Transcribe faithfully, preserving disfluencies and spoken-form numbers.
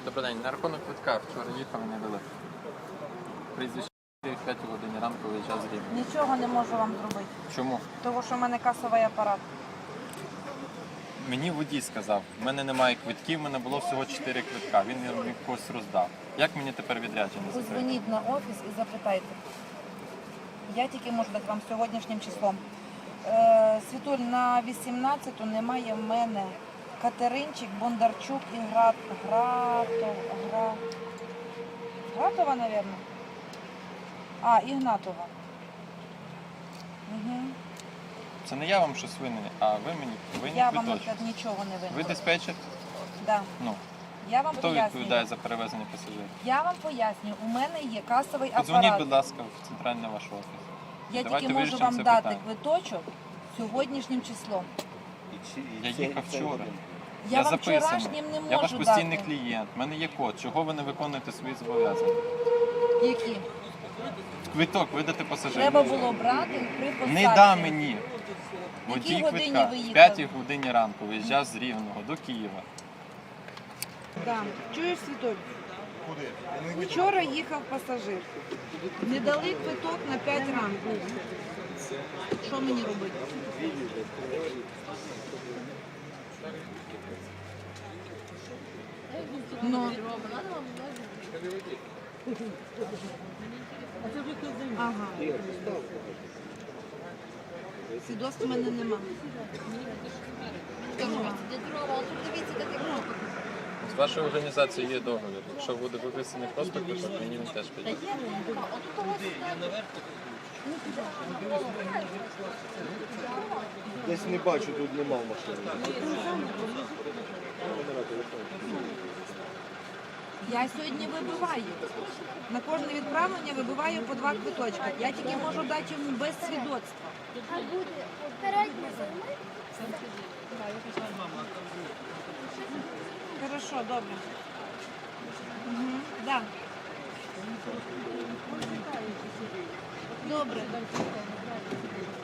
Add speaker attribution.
Speaker 1: Добрий день. На рахунок квитка вчора їхав і не дали. Прізвище в п'ятій годині ранку виїжджав з Рівня.
Speaker 2: Нічого не можу вам зробити,
Speaker 1: Чому?
Speaker 2: тому що в мене касовий апарат.
Speaker 1: Мені водій сказав, в мене немає квитків, в мене було всього чотири квитка. Він їх когось роздав. Як мені тепер відрядження закрити?
Speaker 2: Позвоніть на офіс і запитайте. Я тільки можу дати вам сьогоднішнім числом. Е, Світуль, на вісімнадцяту немає в мене Катеринчик, Бондарчук і Грат... Гратов... Гра... Гратова, мабуть. А, Ігнатова. Угу.
Speaker 1: Це не я вам щось винен, а ви мені винні
Speaker 2: Я вам
Speaker 1: квиточок.
Speaker 2: наприклад, нічого не винна.
Speaker 1: Ви диспетчер?
Speaker 2: Да.
Speaker 1: Ну,
Speaker 2: Я вам
Speaker 1: хто
Speaker 2: пояснюю.
Speaker 1: відповідає за перевезення пасажирів?
Speaker 2: Я вам пояснюю, у мене є касовий
Speaker 1: Подзвоніть,
Speaker 2: апарат.
Speaker 1: будь ласка, в центральний ваш офіс.
Speaker 2: Я
Speaker 1: Давайте
Speaker 2: тільки можу
Speaker 1: вирішимо
Speaker 2: вам
Speaker 1: це
Speaker 2: дати
Speaker 1: питання.
Speaker 2: квиточок сьогоднішнім числом.
Speaker 1: Я їхав вчора.
Speaker 2: Я,
Speaker 1: Я
Speaker 2: вам
Speaker 1: записаний.
Speaker 2: вчорашнім не можу
Speaker 1: Я ваш постійний
Speaker 2: дати.
Speaker 1: клієнт. У мене є код. Чого ви не виконуєте свої зобов'язання?
Speaker 2: Які?
Speaker 1: Квиток видати пасажиру.
Speaker 2: Треба було брати при посадці.
Speaker 1: Не да мені.
Speaker 2: В якій
Speaker 1: Водій
Speaker 2: годині
Speaker 1: квитка
Speaker 2: ви
Speaker 1: в
Speaker 2: їхали?
Speaker 1: п'ятій годині ранку виїжджав з Рівного до Києва.
Speaker 2: Да. Чуєш, Світоль? Вчора їхав пасажир. Не дали квиток на п'ять ранку. Що мені робити? Ну. Ага. Свідоцтва в мене нема.
Speaker 1: З вашою організацією є договір. Якщо буде виписаний просто квиток, мені він теж піде.
Speaker 3: Десь не бачу, тут нема в машині.
Speaker 2: Я сьогодні вибиваю. На кожне відправлення вибиваю по два квиточка. Я тільки можу дати йому без свідоцтва. Хорошо, добре. Угу. Да. Добре.